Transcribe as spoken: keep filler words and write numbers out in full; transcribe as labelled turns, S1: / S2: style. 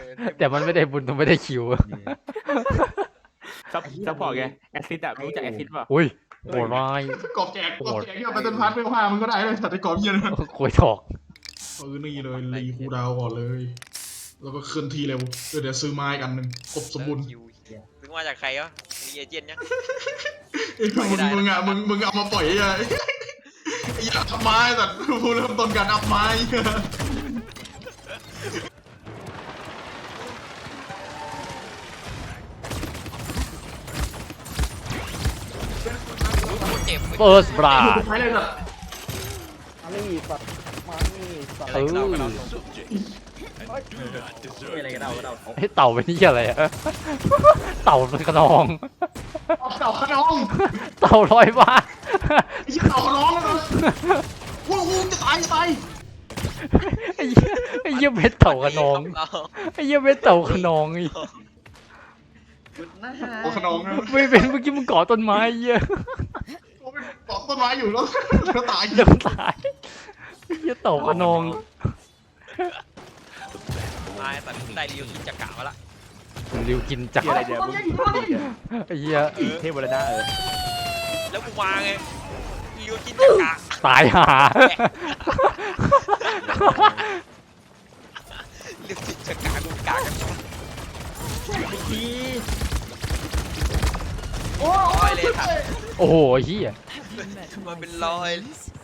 S1: แต่มันไม่ได้บุญต้องไม่ได้คิว
S2: ซับซัพพอร์ตไงแอซิดอะรู้จักแอซิดป่ะ
S1: อุ้ยโหดร้าย
S3: กอบแจกกอบแจกที่เอาไปต้นพัดเพื่อผ้ามันก็ได้เลยสัตว์ไอ้กอบเยี่ยน
S1: คุยถอก
S3: เออนี่เลยรีคูดาวก่อนเลย แล้วก็เคลื่อนที่เร็วเดี๋ยวเดี๋ยวซื้อไม้กันหนึ่งครบสมบูรณ์
S4: คิวซื้อมาจากใครวะมีเอเจนต์ยัง
S3: มึงมึงอ่ะมึงมึงเอามาปล่อยไอ้ไอ้อัพไม้สัตว์ผู้เริ่มต้นการอัพไม้
S4: เจ็บ
S1: เฟิร์สบรา
S3: ใช้เลยสัตว์
S5: มานี่สัตว์มานี่สัตว์
S1: เออ
S5: อะไรกันเอาเรา
S1: ไอ้เต่าเป็นนี่อะไรอะเต่าเป็นกระนอง
S3: เอาเต่าขนอง
S1: เต่าลอยฟ้า
S3: ไอ้เต่าขนองแล้วนะว้าวจะตายจะตาย
S1: ไอ้เหี้ยไอ้เหี้ยเม็ดเต่ากระนองไอ้เหี้ยเม็ดเต่ากระนองอีก
S3: โอ้ขนองนะ
S1: ไม่เป็นเมื่อกี้มึงเกาะต้นไม้ไอ้เหี้ย
S3: โอ้เป็นเกาะต้นไม้อยู่แล้วแล้วตาย
S1: เดี๋ยวตายไอ้เหี้ยเต่ากระนอง
S4: นายแต่ได้ริวกินจักระมาละ
S1: ริวกินจักร
S2: อะไรเดี๋ยว
S1: ไอ้เหี้ย
S2: เทพบรรดาเออ
S4: แล้วกูมาไงริวกินจักระ
S1: ตายห่า
S4: ริวกินจักระกูกากันร้อยเลยครับ
S1: โอ้โหเหี้ย
S4: มันเป็นร้อย